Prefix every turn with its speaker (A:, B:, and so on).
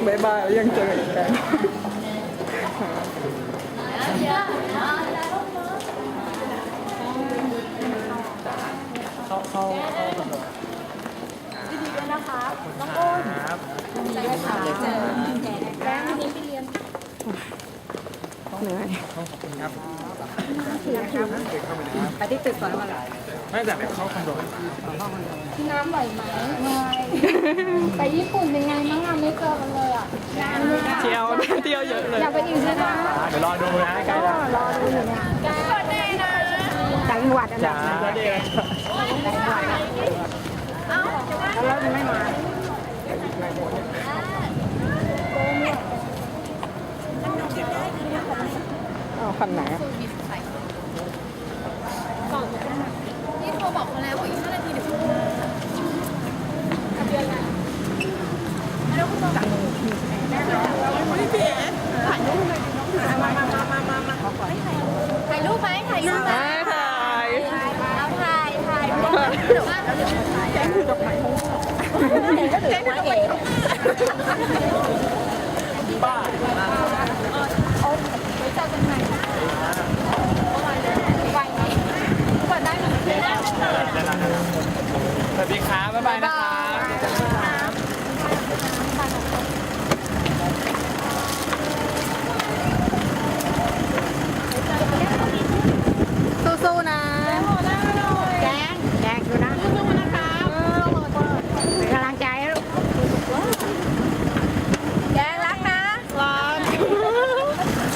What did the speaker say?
A: บายบายแล้วยังเจออีกกันเข้า
B: ดีด้วยนะคะน้องอ้นใช่ค่ะเจอแป้งวันนี้ไปเรียน
A: เหนื่อย
C: ขอบคุณครับ
B: ไปที่ตึกก่อนมาหลาย
C: ไม่แต่เข้าคอนโด
B: พี่น้ำไหวไหมไม่ไปญี่ปุ่นเป็นไงบ้างอ่ะไม่เจอกันเลยอ่ะ
A: เที่ยวเยอะเลย
B: อยากไปอีกใช่ไหม
C: เดี๋ยวรอดูนะใกล้แล้ว
B: รอดูอยู่เนี่ยใกล้ได้นะจังหวัดอะไรแล้วยังไม่มา
A: คันไหน
B: นี่โทรบอกเขาแล้วอีก5 นาทีเดี๋ยวคุณมาทะเบียนอะไรแล้วคุณต้องไม่เปลี่ยนถ่ายรูปเลยมาถ่ายรูปไหมถ่ายรูปไหมเอาถ่ายหรือว่าแจ้งคือดอกไม้แจ้งคือดอกไม้บ้าเอาไว้เจอกันใหม่ไวไหมเปิดได้ไหม
C: สวัสดีครับบ๊ายบายนะคะ